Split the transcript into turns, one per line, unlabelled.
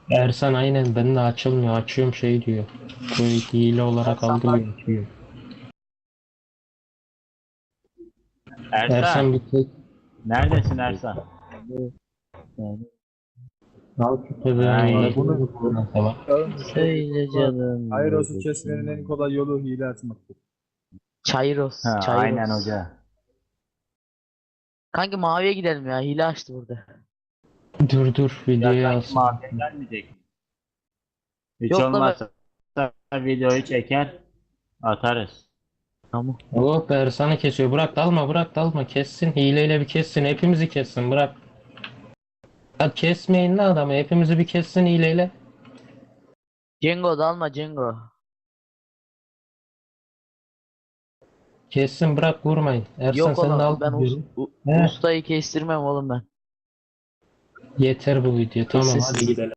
Ersan aynen ben de açılmıyor. Açıyorum şey diyor. Bu hile olarak
Ersan bak.
algılıyor diyor.
Ersan,
Ersan bir tek
neredesin Ersan?
Yani
al şu
Ha,
pezevengi de
iyi.
bunu
bundan sonra.
söyle canım
Ayros'u kesmenin en
neredesin?
kolay yolu hile atmaktır.
Ha,
Çayros,
aynen
Çayros.
hoca.
Kanki maviye gidelim ya. Hile açtı burada.
Dur
Ya
videoyu
sanki
alsın.
mafya gelmeyecek mi? Hiç
Yok la be.
olmazsa videoyu çeker atarız.
Tamam.
Hop Ersan'ı kesiyor. Bırak dalma kessin. Hileyle bir kessin. Hepimizi kessin bırak. Ya kesmeyin la adamı. Hepimizi bir kessin hileyle.
Cengo dalma Cengo.
Kessin bırak vurmayın. Ersan
Yok
sen de al
oğlum ben
diyorum. He,
ustayı kestirmem oğlum ben.
yeter bu video. Tamam hadi
Sessiz.
gidelim.